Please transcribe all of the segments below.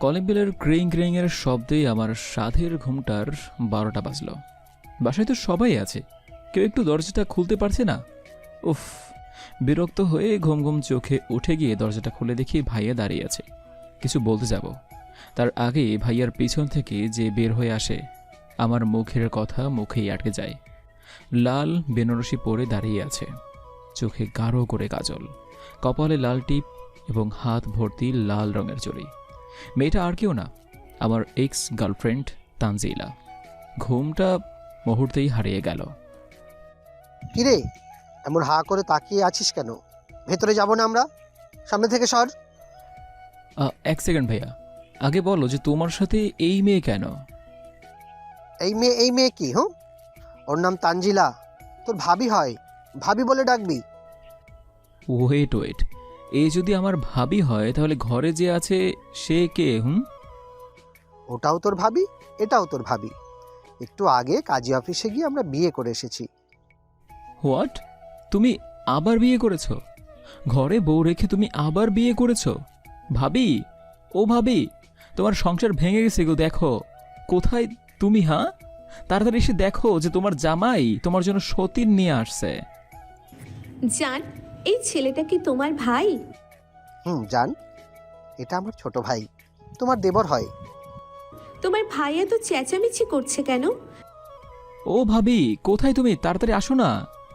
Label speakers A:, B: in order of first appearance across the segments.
A: Calling বেলের ক্রিং ক্রিং এর শব্দে আমার সাধের ঘুমটার 12টা বাজল। বাসায় তো সবাই আছে, কেউ একটু দরজাটা খুলতে পারছে না। উফ, বিরক্ত হয়ে ঘুম ঘুম চোখে উঠে গিয়ে দরজাটা খুলে দেখি ভাইয়া দাঁড়িয়ে আছে। কিছু বলতে যাব, তার আগে ভাইয়ার পিছন থেকে যে বের হয়ে আসে, আমার মুখের কথা মুখেই আটকে যায়। লাল বেনারসি পরে দাঁড়িয়ে আছে, চোখে গাঢ় করে কাজল, কপালে লাল টিপ এবং হাত ভর্তি লাল রঙের চুড়ি। মেয়েটা আর কেউ না, আমার এক্স গার্লফ্রেন্ড তানজিলা। ঘুমটা মুহূর্তেই হারিয়ে গেল।
B: কিরে, এমন হা করে তাকিয়ে আছিস কেন? ভেতরে যাব না আমরা? সামনে থেকে সর।
A: এক সেকেন্ড ভাইয়া, আগে বলো যে তোমার সাথে এই মেয়ে কেন?
B: এই মেয়ে কি? ওর নাম তানজিলা, তোর ভাবি হয়। ভাবি বলে ডাকবি।
A: ওয়েট ওয়েট, এই যদি আমার ভাবি হয় তাহলে ঘরে যে আছে সে কে?
B: ওটাও তোর ভাবি, এটাও তোর ভাবি। একটু আগে কাজী অফিসে গিয়ে আমরা বিয়ে করে এসেছি।
A: হোয়াট? তুমি আবার বিয়ে করেছো? ঘরে বউ রেখে তুমি আবার বিয়ে করেছো? ভাবি, ও ভাবি, তোমার সংসার ভেঙে গেছে গো। দেখো কোথায় তুমি। হ্যাঁ, তাড়াতাড়ি এসে দেখো যে তোমার জামাই তোমার জন্য সতীন নিয়ে আসছে।
C: জান, এই ছেলেটা কি তোমার ভাই?
B: জান, এটা আমার ছোট ভাই, তোমার দেবর হয়।
C: তোমার ভাই এত চেঁচামেচি করছে কেন?
A: ও ভাবি, কোথায় তুমি? তাড়াতাড়ি আসো না।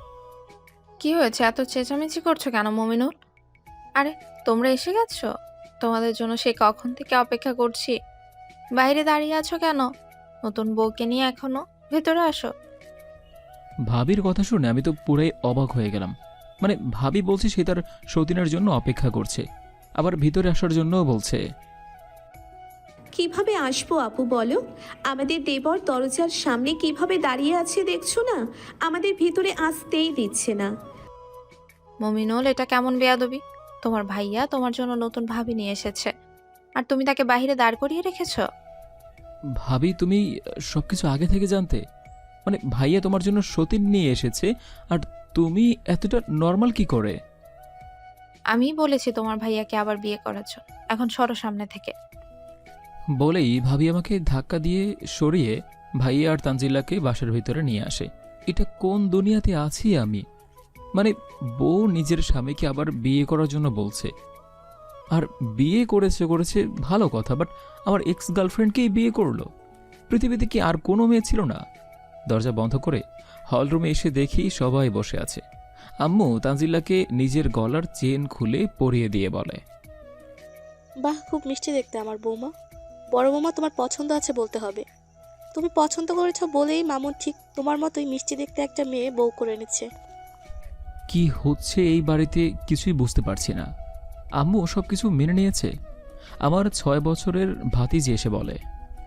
D: কি হয়েছে, এত চেঁচামেচি করছো কেন মমিনুল? আরে তোমরা এসে গেছো? তোমাদের জন্য সেই কখন থেকে অপেক্ষা করছি। বাইরে দাঁড়িয়ে আছো কেন? নতুন বউকে নিয়ে এখনো? ভেতরে আসো।
A: ভাবির কথা শুনে আমি তো পুরাই অবাক হয়ে গেলাম। মানে ভাবি বলছে সে তার সতীনের জন্য অপেক্ষা করছে, আবার ভিতরে আসার জন্যও বলছে।
C: কিভাবে আসবো আপু বলো? আমাদের দেবর দরজার সামনে কিভাবে দাঁড়িয়ে আছে দেখছো না? আমাদের ভিতরে আসতেই দিচ্ছে না।
D: মমিনুল, এটা কেমন বেয়াদবি? তোমার ভাইয়া তোমার জন্য নতুন ভাবি নিয়ে এসেছে, আর তুমি তাকে বাইরে দাঁড় করিয়ে রেখেছো।
A: ভাবি, তুমি সবকিছু আগে থেকে জানতে? মানে ভাইয়া তোমার জন্য সতীন নিয়ে এসেছে, আর তুমি এতটা নর্মাল কি করে?
D: আমি বলেছি তোমার ভাইয়াকে আবার বিয়ে করার জন্য। এখন সরো সামনে থেকে।
A: বলেই ভাবি আমাকে ধাক্কা দিয়ে সরিয়ে ভাইয়া আর তানজিল্লাকে বাসার ভিতরে নিয়ে আসে। এটা কোন দুনিয়াতে আছি আমি? মানে বউ নিজের স্বামীকে আবার বিয়ে করার জন্য বলছে, আর বিয়ে করেছে ভালো কথা, বাট আমার এক্স গার্লফ্রেন্ডকেই বিয়ে করলো। পৃথিবীতে কি আর কোনো মেয়ে ছিল না? দরজা বন্ধ করে হলরুমে এসে দেখি সবাই বসে আছে। আম্মু তানজিল্লাকে নিজের গলার চেন খুলে পরিয়ে দিয়ে বলে,
E: বাহ, খুব মিষ্টি দেখতে আমার বৌমা। বড় বৌমা, তোমার পছন্দ আছে বলতে হবে। তুমি পছন্দ করেছো বলেই মামুন ঠিক তোমার মতোই মিষ্টি দেখতে একটা মেয়ে বউ করে এনেছে।
A: কি হচ্ছে এই বাড়িতে কিছুই বুঝতে পারছি না। আম্মু সবকিছু মেনে নিয়েছে। আমার 6 বছরের ভাতিজি এসে বলে,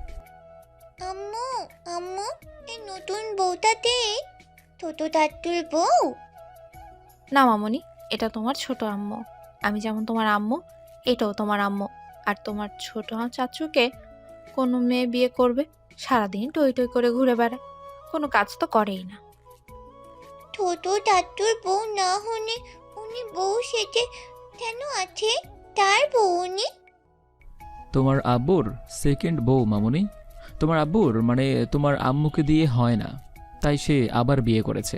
F: আম্মু, আম্মু, এই নতুন বউটাতে ছোট টাট্টুর বউ।
D: না মামনি, এটা তোমার ছোট আম্মু। আমি যেমন তোমার আম্মু, এটাও তোমার আম্মু। আর তোমার ছোট চাচুকে কোনো মেয়ে বিয়ে করবে? সারাদিন টই টই করে ঘুরে বেড়ায়, কোনো কাজ তো করেই না।
F: ছোট টাট্টুর বউ না হলে উনি বউ সেজে কেন আছে? তার বউ উনি।
A: তোমার আব্বুর সেকেন্ড বউ মামুনি। তোমার আব্বুর মানে তোমার আম্মুকে দিয়ে হয় না, তাই সে আবার বিয়ে করেছে।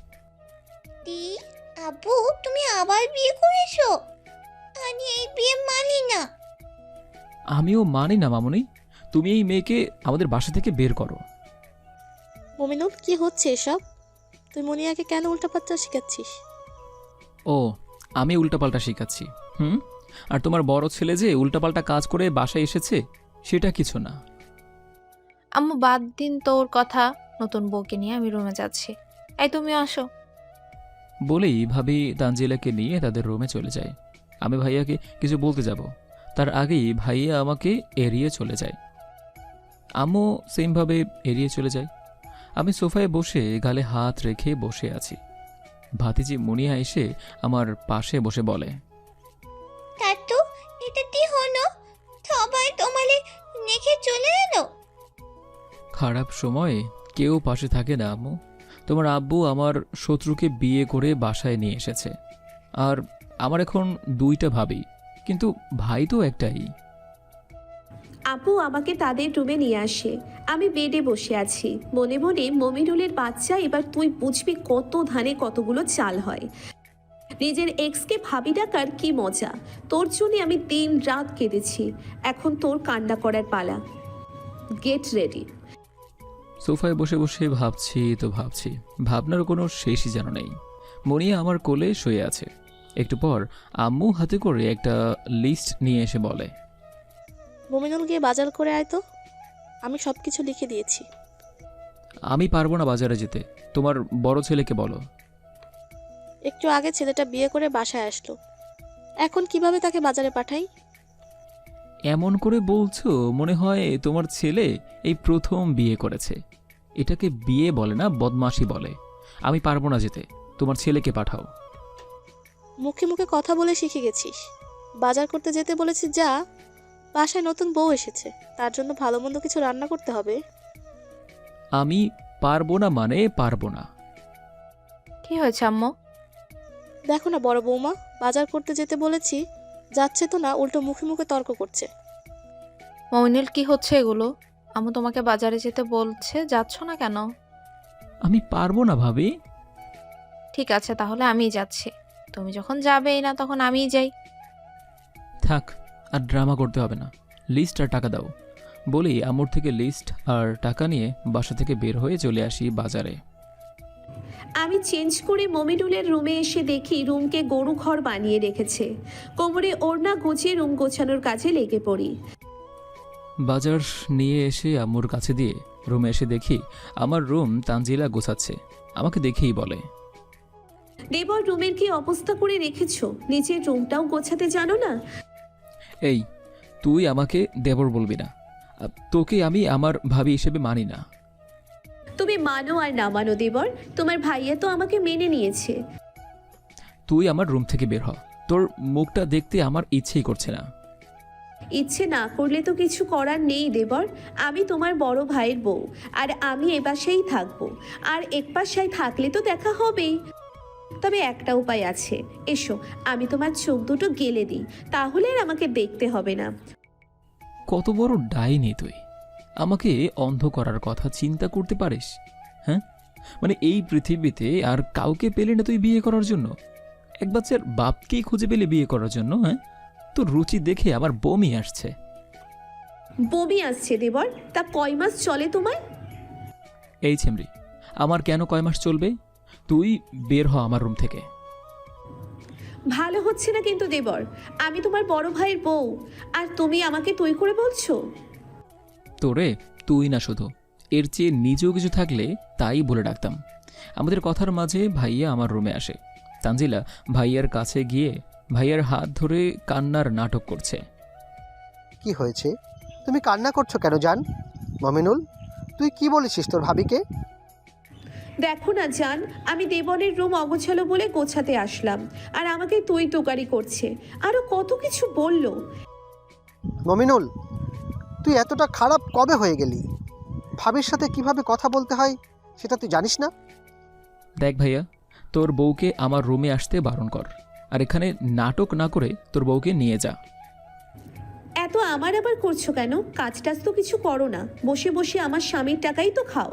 F: দি, আব্বু তুমি আবার বিয়ে করেছো? আমি এই বিয়ে মানি না।
A: আমিও মানি না মামুনি, তুমি এই মেয়েকে আমাদের বাসা থেকে বের করো।
E: মমিনুল, কি হচ্ছে এসব? তুই মনিয়াকে কেন উল্টাপাল্টা শেখাচ্ছিস?
A: ও, আমি উল্টাপাল্টা শেখাচ্ছি? আর তোমার বড় ছেলে যে উল্টাপাল্টা কাজ করে বাসায় এসেছে সেটা কিছু না।
D: আম্মু বাদ দিন তোর কথা, নতুন বউকে নিয়ে আমি রুমে যাচ্ছি। এই তুমি আসো।
A: বলেই ভাবি তানজিলাকে নিয়ে তাদের রুমে চলে যায়। আমি ভাইয়াকে কিছু বলতে যাব, তার আগেই ভাইয়া আমাকে এড়িয়ে চলে যায়। আম্মু সেমভাবে এড়িয়ে চলে যায়। আমি সোফায় বসে গালে হাত রেখে বসে আছি। ভাতিজি মুনিয়া এসে আমার পাশে বসে বলে,
F: টাট্টু, এটা কি হলো? সবাই তোমারে রেখে চলে এলো।
A: খারাপ সময়ে কেউ পাশে থাকে না আম্মু। তোমার আব্বু আমার শত্রুকে বিয়ে করে বাসায় নিয়ে এসেছে, আর আমার এখন 2টা ভাবি, কিন্তু ভাই তো একটাই।
C: আপু আমাকে তাদের রুমে নিয়ে আসে। আমি বেডে বসে আছি, মনে মনে মমিনুলের বাচ্চা, এবার তুই বুঝবি কত ধানে কতগুলো চাল হয়। নিজের এক্সকে ভাবি ডাকার কি মজা। তোর জন্য আমি দিন রাত কেঁদেছি, এখন তোর কান্না করার পালা। Get ready.
A: সোফায় বসে বসে ভাবছি তো ভাবছি, ভাবনার কোনো শেষই যেন নেই। মনিয়া আমার কোলে শুয়ে আছে। একটু পর আম্মু হাতে করে একটা লিস্ট নিয়ে এসে বলে,
E: মমিনুল গিয়ে বাজার করে আয় তো, আমি সব কিছু লিখে দিয়েছি।
A: আমি পারবো না বাজারে যেতে, তোমার বড় ছেলেকে বলো।
E: একটু আগে ছেলেটা বিয়ে করে বাসায় আসলো, এখন কিভাবে তাকে বাজারে পাঠাই?
A: এমন করে বলছো মনে হয় তোমার ছেলে এই প্রথম বিয়ে করেছে। এটাকে বিয়ে বলে না, বদমাশি বলে। আমি পারবো না যেতে, তোমার ছেলেকে পাঠাও।
E: মুখে মুখে কথা বলে শিখে গেছিস। বাজার করতে যেতে বলেছি যা, বাসায় নতুন বউ এসেছে, তার জন্য ভালো মন্দ কিছু রান্না করতে হবে।
A: আমি পারবো না মানে পারবো না।
D: কি হয়েছে আম্মু?
E: দেখো না বড় বৌমা, বাজার করতে যেতে বলেছি, যাচ্ছে তো না, উল্টো মুখে মুখে তর্ক করছে।
D: মমিনুল কি হচ্ছে এগুলো? আম্মু তোমাকে বাজারে যেতে বলছে, যাচ্ছ না কেন?
A: আমি পারবো না ভাবি।
D: ঠিক আছে তাহলে আমিই যাচ্ছি। তুমি যখন যাবেই না তখন আমিই যাই।
A: থাক, আর ড্রামা করতে হবে না। লিস্ট আর টাকা দাও বলি আম্মুর থেকে লিস্ট আর টাকা নিয়ে বাসা থেকে বের হয়ে চলে আসি বাজারে।
C: আমি চেঞ্জ করে মমিনুলের রুমে এসে দেখি রুমকে গরু ঘর বানিয়ে রেখেছে। কোমরে ওড়না গুছিয়ে রুম গোছানোর কাজে লেগে পড়ি।
A: বাজার নিয়ে এসে আম্মুর কাছে দিয়ে রুমে এসে দেখি আমার রুম তানজিলা গোছাচ্ছে। আমাকে দেখেই বলে,
C: দেবর রুমের কি অবস্থা করে রেখেছো? নিজের রুমটাও গোছাতে জানো না?
A: এই তুই আমাকে দেবর বলবি না, তোকে আমি আমার ভাবি হিসেবে মানি না।
C: তুমি মানো আর না মানো দেবর, তোমার ভাইয়া তো আমাকে মেনে নিয়েছে।
A: তুই আমার রুম থেকে বের হ, তোর মুখটা দেখতে আমার ইচ্ছেই করছে না।
C: ইচ্ছে না করলে তো কিছু করার নেই দেবর। আমি তোমার বড় ভাইয়ের বউ, আর আমি এ বাসায় থাকবো, আর এক বাসায় থাকলে তো দেখা হবেই। তবে একটা উপায় আছে, এসো আমি তোমার চোখ দুটো গেলে দিই, তাহলে আর আমাকে দেখতে হবে না।
A: কত বড় ডাইনি তুই, আমাকে অন্ধ করার কথা চিন্তা করতে পারিস? হ্যাঁ, মানে এই পৃথিবীতে আর কাউকে পেলে না তুই বিয়ে করার জন্য? এক বাচ্চার বাপকেই খুঁজে পেলে বিয়ে করার জন্য? হ্যাঁ, তোর রুচি দেখে আমার বমি আসছে।
C: বমি আসছে দেবর? তা কয় মাস চলে তোমায়?
A: এই ছেমরি, আমার কেন কয় মাস চলবে? তুই বের হ আমার রুম থেকে।
C: ভালো হচ্ছে না কিন্তু দেবর, আমি তোমার বড় ভাইয়ের বউ, আর তুমি আমাকে তুই করে বলছো।
A: তোরে তুই না, শুধু এর চেয়ে নিজেও কিছু থাকলে তাই বলে ডাকতাম। আমাদের কথার মাঝে ভাইয়া আমার রুমে আসে। তানজিলা ভাইয়ার কাছে গিয়ে ভাইয়ার হাত ধরে কান্নার নাটক করছে।
B: কি হয়েছে? তুমি কান্না করছো কেন জান? মমিনুল, তুই কি বলেছিস তোর ভাবিকে?
C: দেখো না জান, আমি দেবনের রুম অগোছালো বলে গোছাতে আসলাম, আর আমাকে তুই তোকারি করছে, আরো কত কিছু বললো।
B: মমিনুল, তুই এতটা খারাপ কবে হয়ে গেলি? ভাবির সাথে কিভাবে কথা বলতে হয় সেটা তুই জানিস না?
A: দেখ ভাইয়া, তোর বউকে আমার রুমে আসতে বারণ কর, আর এখানে নাটক না করে তোর বউকে নিয়ে যা।
C: এত আমার আবার করছো কেন? কাজ টাজ তো কিছু করো না, বসে বসে আমার স্বামীর টাকাই তো খাও।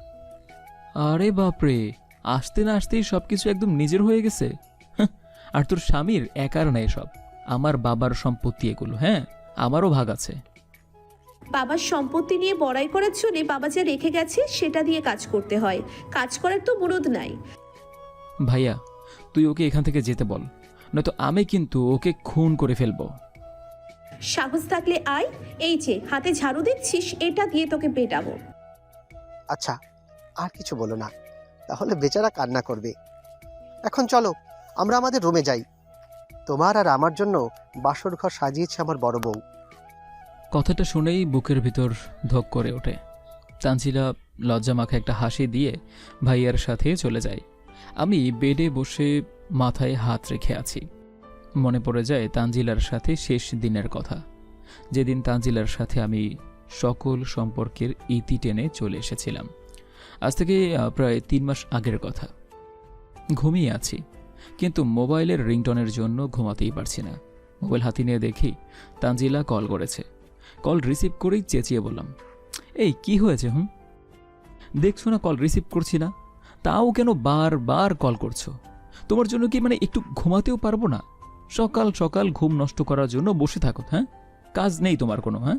A: আরে বাপরে, আসতে না আসতেই সব কিছু একদম নিজের হয়ে গেছে। হাহ, আর তোর স্বামীর একার নাই সব, আমার বাবার সম্পত্তি এগুলো। হ্যাঁ, আমারও ভাগ আছে।
C: বাবার সম্পত্তি নিয়ে বড়াই করার জন্য বাবা যা রেখে গেছে সেটা দিয়ে কাজ করতে হয়, কাজ করার তো মুরদ নাই।
A: ভাইয়া, তুই ওকে এখান থেকে যেতে বল, নয়তো আমি কিন্তু ওকে খুন করে ফেলবো।
C: সাহস থাকলে আয়, এই যে হাতে ঝাড়ু দেখছিস, এটা দিয়ে তোকে পেটাবো।
B: আচ্ছা, আর কিছু বলো না, তাহলে বেচারা কান্না করবে। এখন চলো আমরা আমাদের রুমে যাই। তোমার আর আমার জন্য বাসর ঘর সাজিয়েছে আমার বড় বউ।
A: কথাটা শুনেই বুকের ভিতর ধক করে ওঠে। তানজিলা লজ্জা মাখা একটা হাসি দিয়ে ভাইয়ার সাথে চলে যায়। আমি বেডে বসে মাথায় হাত রেখে আছি। মনে পড়ে যায় তানজিলার সাথে শেষ দিনের কথা, যেদিন তানজিলার সাথে আমি সকল সম্পর্কের ইতি টেনে চলে এসেছিলাম। আজ থেকে প্রায় 3 মাস আগের কথা। ঘুমিয়ে আছি, কিন্তু মোবাইলের রিংটনের জন্য ঘুমাতেই পারছি না। মোবাইল হাতে নিয়ে দেখি তানজিলা কল করেছে। কল রিসিভ করেই চেঁচিয়ে বললাম, এই কি হয়েছে? দেখছো না কল রিসিভ করছি না, তাও কেন বারবার কল করছো? তোমার জন্য কি মানে একটু ঘুমাতেও পারবো না? সকাল সকাল ঘুম নষ্ট করার জন্য বসে থাকো, হ্যাঁ? কাজ নেই তোমার কোনো? হ্যাঁ,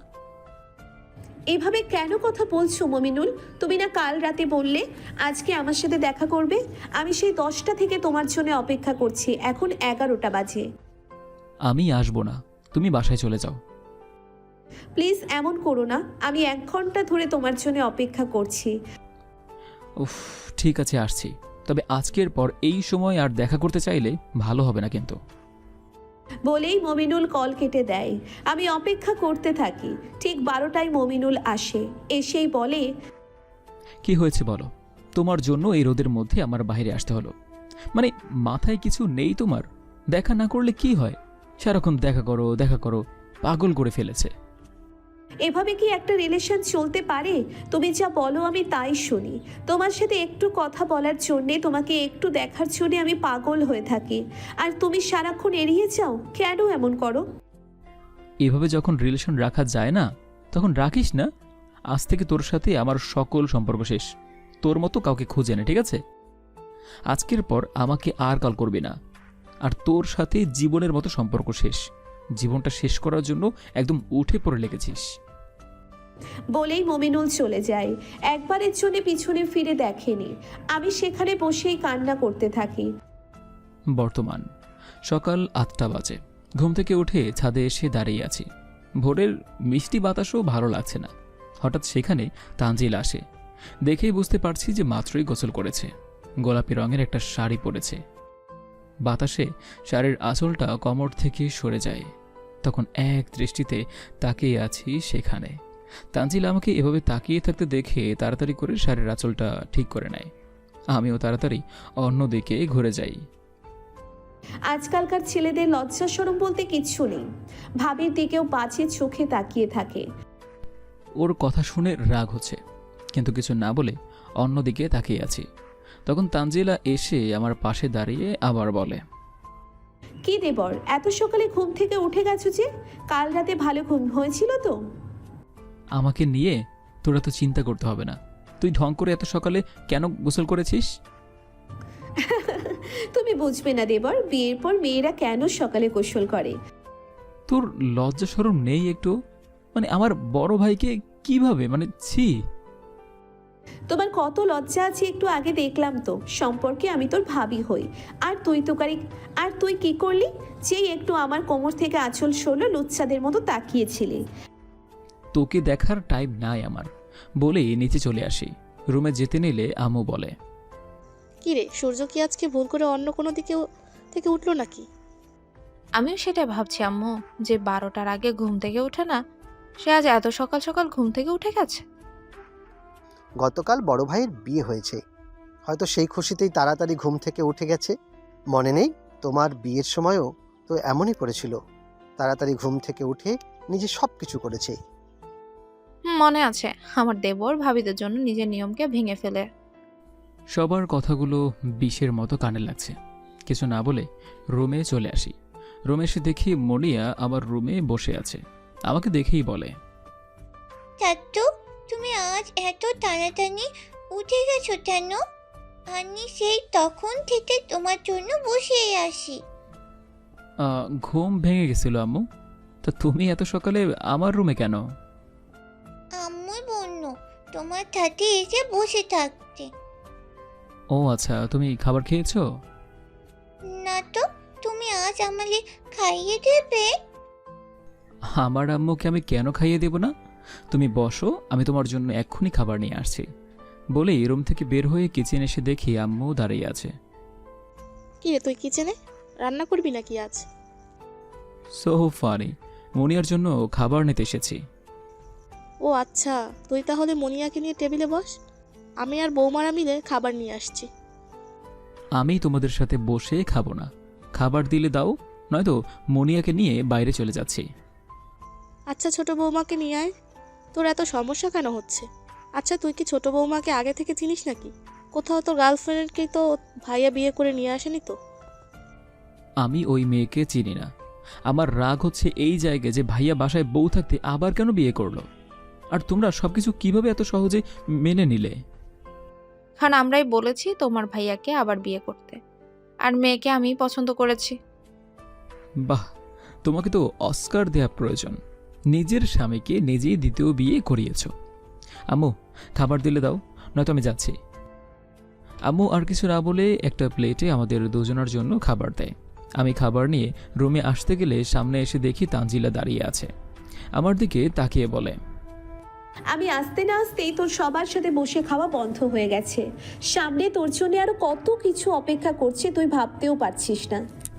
C: এভাবে কেন কথা বলছো মমিনুল? তুমি না কাল রাতে বললে আজকে আমার সাথে দেখা করবে? আমি সেই 10টা থেকে তোমার জন্য অপেক্ষা করছি, এখন 11টা বাজে।
A: আমি আসবো না, তুমি বাসায় চলে যাও।
C: প্লিজ এমন করো না, আমি 1 ঘন্টা ধরে তোমার জন্য অপেক্ষা করছি।
A: উফ, ঠিক আছে আসছি, তবে আজকের পর এই সময় আর দেখা করতে চাইলে ভালো হবে না কিন্তু।
C: বলেই মমিনুল কল কেটে দেয়। আমি অপেক্ষা করতে থাকি। ঠিক 12টায় মমিনুল আসে, এসেই বলে,
A: কি হয়েছে বলো? তোমার জন্য এই রোদের মধ্যে আমার বাইরে আসতে হলো। মানে মাথায় কিছু নেই তোমার? দেখা না করলে কি হয়? সারাক্ষণ দেখা করো দেখা করো, পাগল করে ফেলেছে।
C: এভাবে কি একটা রিলেশন চলতে পারে? তুমি যা বলো আমি তাই শুনি। তোমার সাথে একটু কথা বলার জন্যে, তোমাকে একটু দেখার জন্যে আমি পাগল হয়ে থাকি, আর তুমি সারাক্ষণ এড়িয়ে যাও। কেন এমন করো?
A: এভাবে যখন রিলেশন রাখা যায় না, তখন রাখিস না। আজ থেকে তোর সাথে আমার সকল সম্পর্ক শেষ। তোর মতো কাউকে খুঁজে না, ঠিক আছে? আজকের পর আমাকে আর কল করবি না। আর তোর সাথে জীবনের মতো সম্পর্ক শেষ। জীবনটা শেষ করার জন্য একদম উঠে পড়ে লেগেছিস।
C: বলেই মমিনুল চলে যায়। একবারের জন্য পিছনে ফিরে দেখেনি। আমি সেখানে বসেই কান্না করতে থাকি।
A: বর্তমান সকাল 8টা বাজে। ঘুম থেকে উঠে ছাদে এসে দাঁড়িয়ে আছি। ভোরের মিষ্টি বাতাসও ভালো লাগছে না। হঠাৎ সেখানে তানজিল আসে। দেখেই বুঝতে পারছি যে মাত্রই গোসল করেছে। গোলাপি রঙের একটা শাড়ি পরেছে। বাতাসে শাড়ির আঁচলটা কোমর থেকে সরে যায়। তখন এক দৃষ্টিতে তাকিয়ে আছি সেখানে। তানজিল আমাকে এভাবে তাকিয়ে থাকতে দেখে তাড়াতাড়ি করে শাড়ির আঁচলটা ঠিক করে নেয়। আমিও তাড়াতাড়ি অন্যদিকে ঘুরে যাই।
C: আজকালকার ছেলেদের লজ্জা শরম বলতে কিচ্ছু নেই। ভাবির দিকেও বাজে চোখে তাকিয়ে থাকে।
A: ওর কথা শুনে রাগ হচ্ছে, কিন্তু কিছু না বলে অন্যদিকে তাকিয়ে আছি। তখন তানজিলা এসে আমার পাশে দাঁড়িয়ে আবার বলে,
C: কি দেবর, এত সকালে ঘুম থেকে উঠে গেছো যে? কাল রাতে ভালো ঘুম হয়েছিল তো?
A: আমাকে নিয়ে তোরা তো চিন্তা করতে হবে না। তুই ঢং করে এত সকালে কেন গোসল করেছিস?
C: তুমি বুঝবে না দেবর, বিয়ের পর মেয়েরা কেন সকালে গোসল করে।
A: তোর লজ্জা শরম নেই একটু? মানে আমার বড় ভাইকে কিভাবে, মানে ছি।
C: তোমার কত লজ্জা আছে একটু আগে দেখলাম তো। সম্পর্কে আমি তোর ভাবি হই, আর তুই কি করলি? যেই একটু আমার কোমর থেকে আঁচল সরলো, লুচ্চাদের মতো তাকিয়েছিলি।
A: তোকে দেখার টাইম নাই আমার, বলেই নিচে চলে আসি। রুমে যেতে নিলে আম্মু বলে,
E: কি রে, সূর্য কি আজকে ভুল করে অন্য কোনো দিকে থেকে উঠলো নাকি?
D: আমিও সেটাই ভাবছি আম্মু, যে 12টার আগে ঘুম থেকে ওঠে না, সে আজ এত সকাল সকাল ঘুম থেকে উঠে গেছে।
B: গতকাল বড় ভাইয়ের বিয়ে হয়েছে, হয়তো সেই খুশিতেই তাড়াতাড়ি ঘুম থেকে উঠে গেছে। মনে নেই তোমার বিয়ের সময়ও তো এমনই করেছিল, তাড়াতাড়ি ঘুম থেকে উঠে নিজে সব কিছু করেছে।
D: মনে আছে, আমার দেবর ভাবিদের জন্য নিজের নিয়মকে ভেঙে ফেলে।
A: সবার কথাগুলো বিষের মতো কানে লাগছে। কিছু না বলে রুমে চলে আসি। রুমে এসে দেখি মনিয়া আমার রুমে বসে আছে। আমাকে দেখেই বলে,
F: চাচ্চু, তুমি আজ এত তাড়াতাড়ি উঠে গেছো কেন? আমি সেই তখন থেকে তোমার জন্য বসেই আসি।
A: ঘুম ভেঙে গেছিল আম্মু। তা তুমি এত সকালে আমার রুমে কেন?
F: আম্মু বলল তোমার সাথে এসে বসে থাকতে।
A: ও আচ্ছা, তুমি খাবার খেয়েছো?
F: না তো, তুমি আজ আমাকে খাইয়ে দেবে?
A: আমার আম্মুকে আমি কেন খাইয়ে দেব না? তুমি বসো, আমি তোমার জন্য এক্ষুনি খাবার নিয়ে আসছি। বলেই রুম থেকে বের হয়ে কিচেন এসে দেখি আম্মু দাঁড়িয়ে আছে।
E: কি রে, তুই কিচেনে রান্না করবি নাকি আজ?
A: সো ফানি, মনিয়ার জন্য খাবার নিতে এসেছি।
E: ও আচ্ছা, তুই তাহলে মনিয়াকে নিয়ে টেবিলে বস, আমি আর বৌমারা মিলে খাবার নিয়ে আসছি।
A: আমি তোমাদের সাথে বসে খাবো না। খাবার দিলে দাও, নয়তো মনিয়াকে নিয়ে বাইরে চলে যাচ্ছি।
E: আচ্ছা, ছোট বৌমাকে নিয়ে আয়। তোর এত সমস্যা কেন হচ্ছে? আচ্ছা, তুই কি ছোট বৌমাকে আগে থেকে চিনিস নাকি? কোথাও তোর গার্লফ্রেন্ডকে তো ভাইয়া বিয়ে করে নিয়ে আসেনি তো?
A: আমি ওই মেয়েকে চিনি না। আমার রাগ হচ্ছে এই জায়গায় যে ভাইয়া বাসায় বউ থাকতে আবার কেন বিয়ে করলো, আর তোমরা সবকিছু কিভাবে এত সহজে মেনে নিলে?
D: কারণ আমরাই বলেছি তোমার ভাইয়াকে আবার বিয়ে করতে, আর মেয়েকে আমি পছন্দ করেছি।
A: বাহ, তোমাকে তো অস্কার দেয়া প্রয়োজন। নিজের স্বামীকে নিজেই দ্বিতীয় বিয়ে করিয়েছ। আম্মু, খাবার দিলে দাও, নয়তো আমি যাচ্ছি। আম্মু আর কিছু না বলে একটা প্লেটে আমাদের দুজনের জন্য খাবার দেয়। আমি খাবার নিয়ে রুমে আসতে গেলে সামনে এসে দেখি তানজিলা দাঁড়িয়ে আছে। আমার দিকে তাকিয়ে বলে,
C: আমি আসতে না আসতেই তোর সবার সাথে বসে খাওয়া বন্ধ হয়ে গেছে। সামনে তোর জন্য আরো কত কিছু অপেক্ষা করছে তুই ভাবতেও পারছিস না।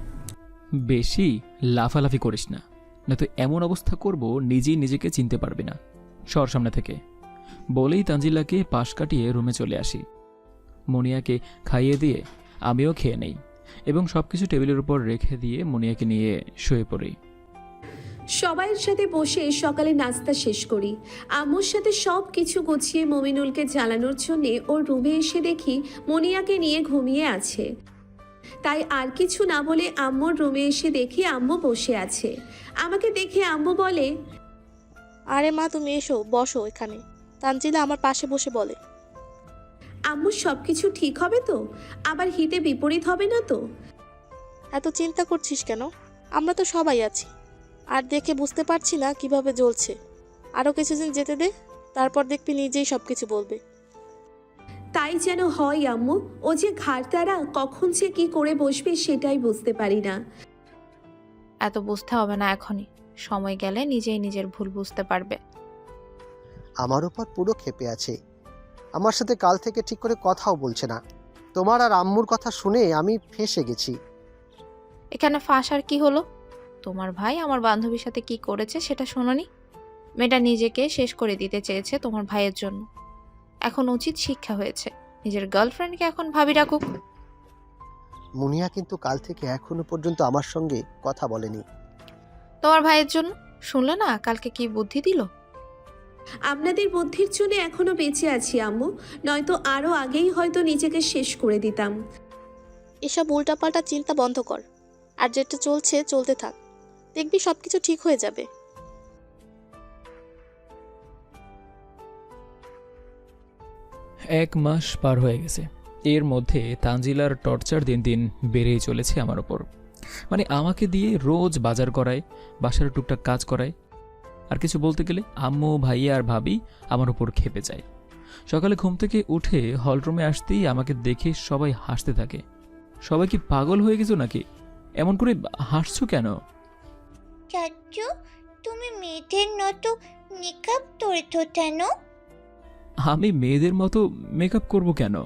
A: বেশি লাফালাফি করিস না, নয়তো এমন অবস্থা করব নিজেই নিজেকে চিনতে পারবি না। সর সামনে থেকে। বলেই তানজিলাকে পাশ কাটিয়ে রুমে চলে আসি। মনিয়াকে খাইয়ে দিয়ে আমিও খেয়ে নেই এবং সবকিছু টেবিলের উপর রেখে দিয়ে মনিয়াকে নিয়ে শুয়ে পড়ি।
C: সবাইয়ের সাথে বসে সকালে নাস্তা শেষ করি। আম্মুর সাথে সব কিছু গুছিয়ে মমিনুলকে জ্বালানোর জন্যে ওর রুমে এসে দেখি মনিয়াকে নিয়ে ঘুমিয়ে আছে। তাই আর কিছু না বলে আম্মুর রুমে এসে দেখি আম্মু বসে আছে। আমাকে দেখে আম্মু বলে,
E: আরে মা, তুমি এসো, বসো এখানে। তানজিলা আমার পাশে বসে বলে,
C: আম্মু সব কিছু ঠিক হবে তো? আবার হিতে বিপরীত হবে না তো?
E: এত চিন্তা করছিস কেন? আমরা তো সবাই আছি। আর দেখে বুঝতে পারছি না কিভাবে জ্বলছে। আরও কিছুদিন যেতে দে, তারপর দেখবি নিজেই সব কিছু বলবে।
C: তাই যেন হয় আম্মু। ও যে ঘাড়তারা, কখন যে কি করে বসবে সেটাই বুঝতে পারি না।
D: এত বুঝতে হবে না এখনই, সময় গেলে নিজেই নিজের ভুল বুঝতে পারবে।
B: আমার উপর পুরো ক্ষেপে আছে। আমার সাথে কাল থেকে ঠিক করে কথাও বলছে না। তোমার আর আম্মুর কথা শুনে আমি ফেঁসে গেছি।
D: এখানে ফাঁস আর কি হলো? তোমার ভাই আমার বান্ধবীর সাথে কি করেছে সেটা শোনোনি? মেয়েটা নিজেকে শেষ করে দিতে চেয়েছে তোমার ভাইয়ের জন্য। এখন উচিত শিক্ষা হয়েছে, নিজের গার্লফ্রেন্ডকে এখন ভাবি রাখুক।
B: মুনিয়া কিন্তু কাল থেকে এখনো পর্যন্ত আমার সঙ্গে কথা বলেনি।
D: তোমার ভাইয়ের জন্য। শুনলে না কালকে কি বুদ্ধি দিল?
C: আপনাদের বুদ্ধির জন্য এখনো বেঁচে আছি আম্মু, নয়তো আরো আগেই হয়তো নিজেকে শেষ করে দিতাম।
E: এসব উল্টাপাল্টা চিন্তা বন্ধ কর, আর যেটা চলছে চলতে থাক, দেখবি সবকিছু ঠিক হয়ে যাবে।
A: এক মাস পার হয়ে গেছে। এর মধ্যে তানজিলার টর্চার দিন দিন বেড়েই চলেছে আমার ওপর। মানে আমাকে দিয়ে রোজ বাজার করায়, বাসার টুকটাক কাজ করায়, আর কিছু বলতে গেলে আম্মু, ভাইয়া আর ভাবি আমার উপর খেপে যায়। সকালে ঘুম থেকে উঠে হলরুমে আসতেই আমাকে দেখে সবাই হাসতে থাকে। সবাই কি পাগল হয়ে গেছো নাকি? এমন করে হাসছো কেন?
F: চাচু, তুমি মেয়েদের মতো মেকআপ করেছো কেন?
A: আমি মেয়েদের মতো মেকআপ করব কেন?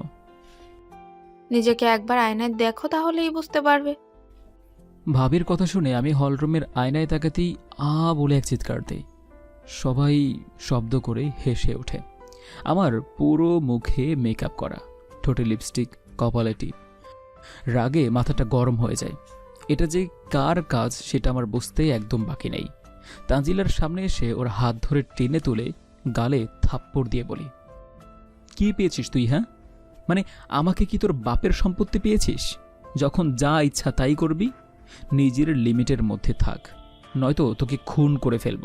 D: নিজেকে একবার আয়নায় দেখো, তাহলেই বুঝতে পারবে।
A: ভাবির কথা শুনে আমি হলরুমের আয়নায় তাকাতেই বলে এক চিৎকার দেই। সবাই শব্দ করে হেসে ওঠে। আমার পুরো মুখে মেকআপ করা, ঠোঁটে লিপস্টিক, কপালে টিপ। রাগে মাথাটা গরম হয়ে যায়। এটা যে কার কাজ সেটা আমার বুঝতে একদম বাকি নেই। তানজিলার সামনে এসে ওর হাত ধরে টেনে তুলে গালে থাপ্পড় দিয়ে বলি, কি পেয়েছিস তুই? হ্যাঁ, মানে আমাকে কি তোর বাপের সম্পত্তি পেয়েছিস? যখন যা ইচ্ছা তাই করবি। নিজের লিমিটের মধ্যে থাক, নয়তো তোকে খুন করে ফেলবো।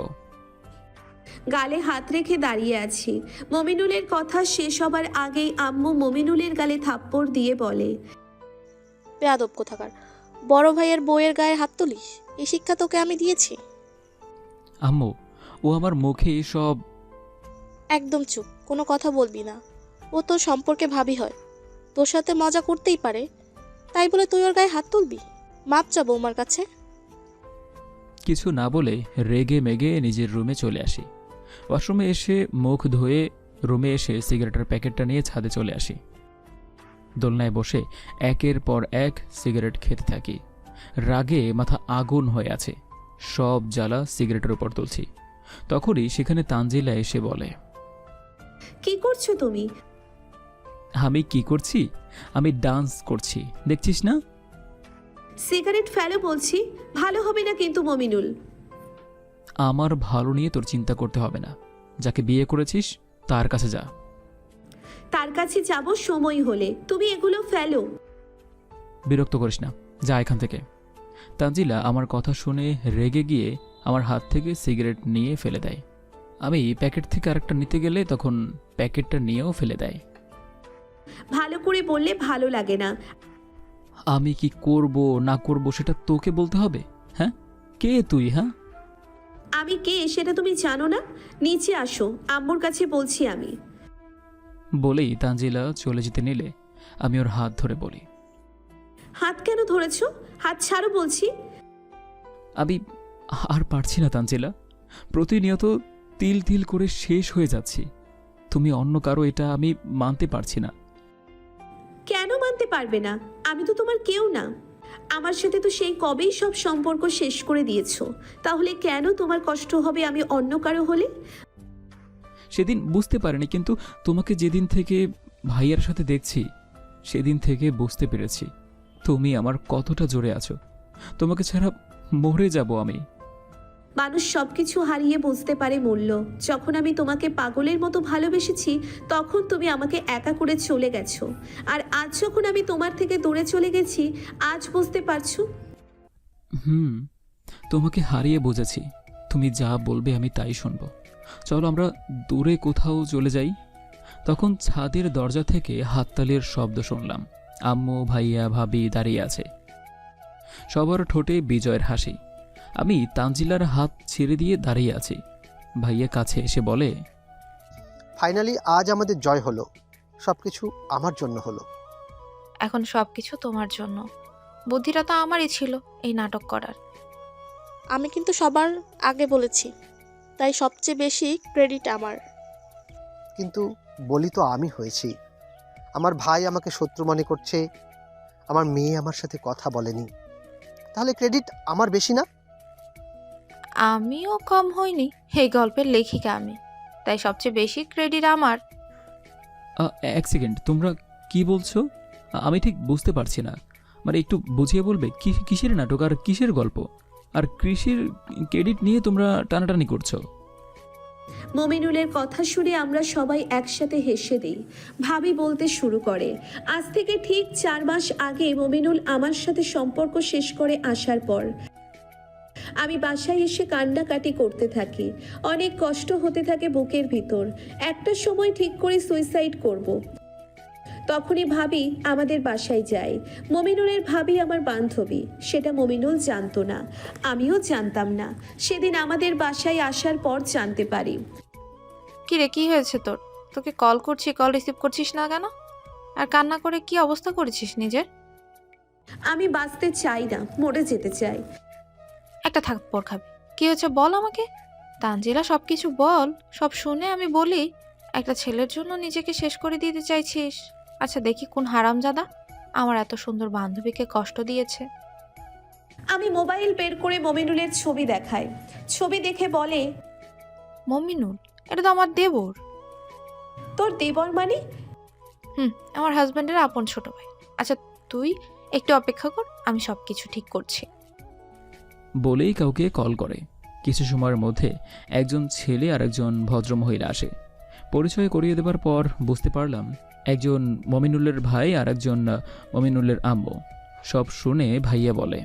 C: গালে হাত রেখে দাঁড়িয়ে আছি। মমিনুলের কথা শেষ হবার আগেই আম্মু মমিনুলের গালে থাপ্পড় দিয়ে বলে,
E: বেয়াদব কোথাকার, বড় ভাইয়ের বউয়ের গায়ে হাত তুলিস? এই শিক্ষা তোকে আমি দিয়েছি?
A: আম্মু, ও আমার মুখে এসব।
E: একদম চুপ, কোনো কথা বলবি না। ও তোর সম্পর্কে ভাবি হয়, তোর সাথে মজা করতেই পারে, তাই বলে তুই ওর গায়ে হাত তুলবি? মাপ চা বৌমার কাছে।
A: কিছু না বলে রেগে মেগে নিজের রুমে চলে আসি। ওয়াশরুমে এসে মুখ ধুয়ে রুমে এসে সিগারেটের প্যাকেটটা নিয়ে ছাদে চলে আসি। দোলনায় বসে একের পর এক সিগারেট খেতে থাকি। রাগে মাথা আগুন হয়ে আছে, সব জ্বালা সিগারেটের উপর তুলছি। তখনই সেখানে তানজিলা এসে বলে,
C: কি করছো তুমি?
A: আমি কি করছি? আমি ডান্স করছি, দেখছিস না?
C: সিগারেট ফেলো বলছি, ভালো হবে না কিন্তু মমিনুল।
A: আমার ভালো নিয়ে তোর চিন্তা করতে হবে না। যাকে বিয়ে করেছিস তার কাছে যা।
C: তার কাছে যাব সময় হলে, তুমি এগুলো ফেলো।
A: বিরক্ত করিস না, যা এখান থেকে। তানজিলা আমার কথা শুনে রেগে গিয়ে আমার হাত থেকে সিগারেট নিয়ে ফেলে দেয়। আমি প্যাকেট থেকে আরেকটা নিতে গেলে তখন প্যাকেটটা নিয়েও ফেলে দেয়।
C: ভালো করে বললে ভালো লাগে না।
A: আমি কি করব না করব সেটা তোকে বলতে হবে? হ্যাঁ, কে তুই? হ্যাঁ,
C: আমি কে সেটা তুমি জানো না? নিচে আসো, আম্মুর কাছে বলছি আমি।
A: বলেই তানজিলা চলে যেতে নিলে আমি ওর হাত ধরে বলি,
C: হাত কেন ধরেছ? হাত ছাড়ো বলছি।
A: আমি আর পারছি না তানজিলা, প্রতিনিয়ত তিল তিল করে শেষ হয়ে যাচ্ছি। তুমি অন্য কারো এটা আমি মানতে পারছি না।
C: কেন মানতে পারবে না? আমি তো তোমার কেউ না। আমার সাথে তো সেই কবেই সব সম্পর্ক শেষ করে দিয়েছো। তাহলে কেন তোমার কষ্ট হবে আমি অন্য কারো হলে?
A: সেদিন বুঝতে পারিনি, কিন্তু তোমাকে যেদিন থেকে ভাইয়ার সাথে দেখছি সেদিন থেকে বুঝতে পেরেছি তুমি আমার কতটা জোরে আছো। তোমাকে ছাড়া মরে যাব আমি।
C: মানুষ সবকিছু হারিয়ে বুঝতে পারে মূল্য। যখন আমি তোমাকে পাগলের মতো ভালোবেসেছি তখন তুমি আমাকে একা করে চলে গেছো। আর আজ যখন আমি তোমার থেকে দূরে চলে গেছি, আজ বুঝতে পারছো?
A: তোমাকে হারিয়ে বুঝেছি। তুমি যা বলবে আমি তাই শুনব। চলো আমরা দূরে কোথাও চলে যাই। তখন ছাদের দরজা থেকে হাততালির শব্দ শুনলাম। আম্মু, ভাইয়া, ভাবি দাঁড়িয়ে আছে, সবার ঠোঁটে বিজয়ের হাসি। আমি তানজিলার হাত ছেড়ে দিয়ে দাঁড়িয়ে আছি। ভাইয়া কাছে এসে বলে,
B: ফাইনালি আজ আমাদের জয় হলো। সবকিছু আমার জন্য হলো।
D: এখন সব কিছু তোমার জন্য। বুদ্ধিটা তো আমারই ছিল এই নাটক করার।
E: আমি কিন্তু সবার আগে বলেছি, তাই সবচেয়ে বেশি ক্রেডিট আমার।
B: কিন্তু বলি তো আমি হয়েছি। আমার ভাই আমাকে শত্রু মনে করছে, আমার মেয়ে আমার সাথে কথা বলেনি, তাহলে ক্রেডিট আমার বেশি না?
D: আমিও কম হইনি, এই গল্পের লেখিকা আমি, তাই সবচেয়ে বেশি ক্রেডিট আমার।
A: এক সেকেন্ড, তোমরা কি বলছো? আমি ঠিক বুঝতে পারছি না। মানে একটু বুঝিয়ে বলবে কিসের নাটক আর কিসের গল্প? আর কৃষির ক্রেডিট নিয়ে তোমরা টানাটানি করছো?
C: মমিনুলের কথা শুনে আমরা সবাই একসাথে হেসে দিই। ভাবি বলতে শুরু করে, আজ থেকে ঠিক 4 মাস আগে মমিনুল আমার সাথে সম্পর্ক শেষ করে আসার পর আমি বাসায় এসে কান্নাকাটি করতে থাকি। অনেক কষ্ট হতে থাকে বুকের ভিতর। একটা সময় ঠিক করে সুইসাইড করব। তখনই ভাবি আমাদের বাসায় যায়। মমিনুলের ভাবি আমার বান্ধবী, সেটা মমিনুল জানতো না, আমিও জানতাম না। সেদিন আমাদের বাসায় আসার পর জানতে পারি।
D: কিরে, কি হয়েছে তোর? তোকে কল করছি, কল রিসিভ করছিস না কেন? আর কান্না করে কি অবস্থা করেছিস নিজের?
C: আমি বাঁচতে চাই না, মরে যেতে চাই।
D: একটা থাপ্পড় খাবি। কি হয়েছে বল আমাকে। তানজিলা সবকিছু বল, সব শুনে আমি বলি একটা ছেলের জন্য নিজেকে শেষ করে দিতে চাইছিস? আচ্ছা দেখি কোন হারামজাদা আমার এত সুন্দর বান্ধবীকে কষ্ট দিয়েছে।
C: আমি মোবাইল বের করে মমিনুলের ছবি দেখাই। ছবি দেখে বলে,
D: মমিনুল, এটা তো আমার দেবর।
C: তোর দেবর মানে?
D: আমার হাজব্যান্ডের আপন ছোট ভাই। আচ্ছা তুই একটু অপেক্ষা কর, আমি সবকিছু ঠিক করছি।
A: বলেই কাউকে কল করে। কিছু সময়ের মধ্যে একজন ছেলে আর একজন ভদ্রমহিলা আসে। পরিচয় করিয়ে দেবার পর বুঝতে পারলাম একজন মমিনুলের ভাই আর একজন মমিনুলের আম্মু। সব শুনে ভাইয়া বলে,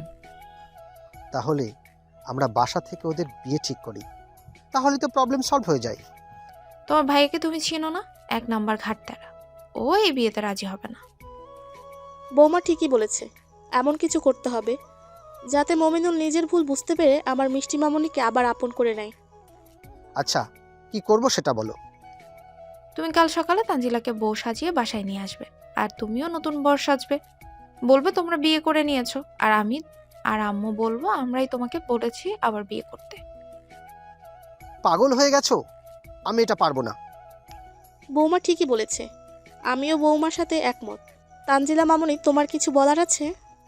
B: তাহলে আমরা বাসা থেকে ওদের বিয়ে ঠিক করি, তাহলে তো প্রবলেম সলভ হয়ে যায়।
D: তোমার ভাইকে তুমি চিনো না? 1 নাম্বার ঘাটতারা। ও এই বিয়েতে রাজি হবে না।
E: বৌমা ঠিকই বলেছে, এমন কিছু করতে হবে যাতে মমিনুল নিজের ভুল বুঝতে পেরে আমার মিষ্টি মামনিকে আবার আপন করে নেয়।
B: আচ্ছা, কি করব সেটা বলো।
D: তুমি কাল সকালে তানজিলাকে বউ সাজিয়ে বাসায় নিয়ে আসবে, আর তুমিও নতুন বর সাজবে। বলবে তোমরা বিয়ে করে নিয়েছো, আর আমি আর আম্মু বলবো আমরাই তোমাকে বলেছি আবার বিয়ে করতে।
B: পাগল হয়ে গেছো? আমি এটা পারবো না।
E: বৌমা ঠিকই বলেছে, আমিও বৌমার সাথে একমত। তানজিলা মামনি, তোমার কিছু বলার আছে?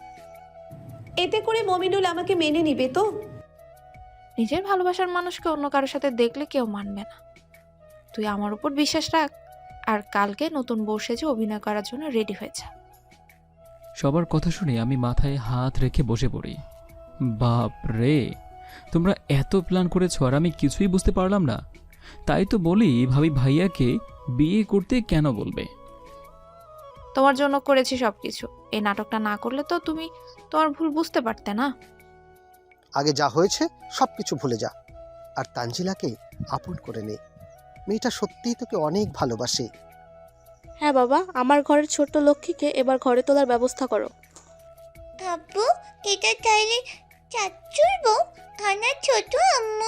C: এতে করে মমিনুল আমাকে মেনে নিবে তো?
D: নিজের ভালোবাসার মানুষকে অন্য কারোর সাথে দেখলে কেউ মানবে না। তুই আমার উপর বিশ্বাস রাখ, আর কালকে নতুন বউ সেজে অভিনয় করার জন্য রেডি হয়ে যা।
A: সবার কথা শুনে আমি মাথায় হাত রেখে বসে পড়ি। বাপ রে, তোমরা এত প্ল্যান করেছো আর আমি কিছুই বুঝতে পারলাম না। তাই তো বলি ভাবি ভাইয়াকে বিয়ে করতে কেন বলবে।
D: তোমার জন্য করেছি সবকিছু। এই নাটকটা না করলে তো তুমি তোমার ভুল বুঝতে পারতে না।
B: আগে যা হয়েছে সব কিছু ভুলে যা, আর তানজিলাকে আপন করে নে। মেয়েটা সত্যিই তোকে অনেক ভালোবাসে।
E: হ্যাঁ বাবা, আমার ঘরের ছোট্ট লক্ষ্মীকে এবার ঘরে তোলার ব্যবস্থা করো।
F: আব্বু, এটা তাহলে চাচ্চুর বউ, আমার ছোট আম্মু।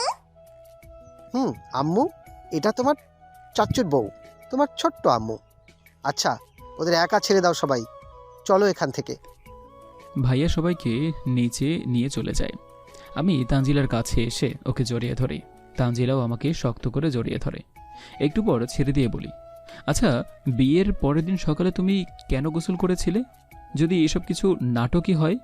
B: আম্মু, এটা তোমার চাচ্চুর বউ, তোমার ছোট্ট আম্মু। আচ্ছা, ওদের একা ছেড়ে দাও সবাই, চলো এখান থেকে।
A: ভাইয়া সবাইকে নিচে নিয়ে চলে যায়। আমি তানজিলার কাছে এসে ওকে জড়িয়ে ধরি। তানজিলাও আমাকে শক্ত করে জড়িয়ে ধরে। একটু পর ছেড়ে দিয়ে বলি, আচ্ছা, বিয়ের পরের দিন সকালে তুমি কেন গোসল করেছিলে? যদি এসব কিছু নাটকই হয়।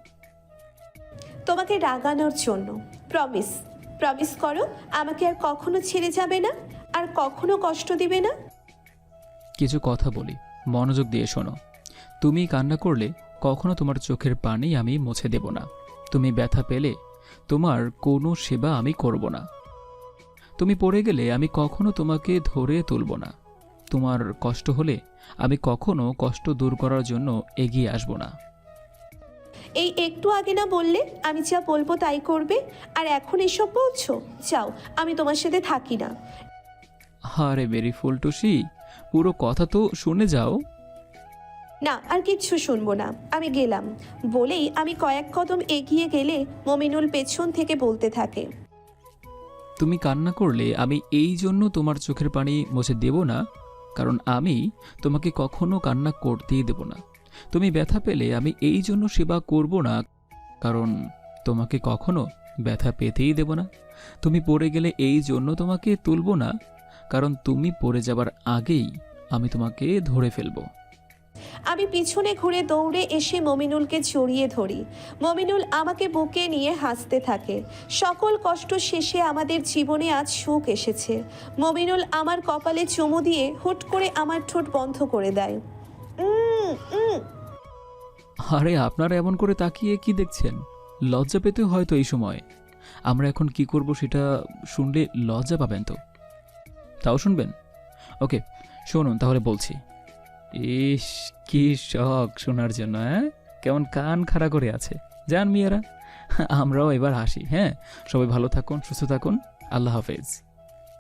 C: তোমাকে রাগানোর জন্য। প্রমিস, প্রমিস করো আমাকে আর কখনো ছেড়ে যাবে না, আর কখনো কষ্ট দিবে না।
A: কিছু কথা বলি, মনোযোগ দিয়ে শোনো। তুমি কান্না করলে কখনো তোমার চোখের পানি আমি মুছে দেব না। তুমি ব্যথা পেলে তোমার কোনো সেবা আমি করব না। তুমি পড়ে গেলে আমি কখনো তোমাকে ধরে তুলব না। তোমার কষ্ট হলে আমি কখনো কষ্ট দূর করার জন্য এগিয়ে আসব না।
C: এই একটু আগে না বললে আমি যা বলবো তাই করবে, আর এখন এসব বলছো? যাও, আমি তোমার সাথে থাকি না।
A: আরে বেরি ফুলটুসি, পুরো কথা তো শুনে যাও।
C: না, আর কিচ্ছু শুনবো না, আমি গেলাম। বলেই আমি কয়েক কদম এগিয়ে গেলে মমিনুল পেছন থেকে বলতে থাকে,
A: তুমি কান্না করলে আমি এই জন্য তোমার চোখের পানি মুছে দেব না, কারণ আমি তোমাকে কখনো কান্না করতেই দেব না। তুমি ব্যথা পেলে আমি এই জন্য সেবা করব না, কারণ তোমাকে কখনো ব্যথা পেতেই দেব না। তুমি পড়ে গেলে এই জন্য তোমাকে তুলব না, কারণ তুমি পড়ে যাবার আগেই আমি তোমাকে ধরে ফেলব।
C: আমি পিছনে ঘুরে দৌড়ে এসে মমিনুলকে জড়িয়ে ধরি। মমিনুল আমাকে বুকে নিয়ে হাসতে থাকে। সকল কষ্ট শেষে আমাদের জীবনে আজ সুখ এসেছে। মমিনুল আমার কপালে চুমু দিয়ে হুট করে আমার ঠোঁট বন্ধ করে দেয়।
A: আরে আপনারা এমন করে তাকিয়ে কি দেখছেন? লজ্জা পেতে হয়তো এই সময়। আমরা এখন কি করব সেটা শুনলে লজ্জা পাবেন তো? তাও শুনবেন? ওকে, শুনুন তাহলে বলছি। ইস, কি শখ শোনার জন্য, হ্যাঁ? কেমন কান খাড়া করে আছে। যান মেয়েরা, আমরাও এবার হাসি। হ্যাঁ, সবাই ভালো থাকুন, সুস্থ থাকুন। আল্লাহ হাফেজ।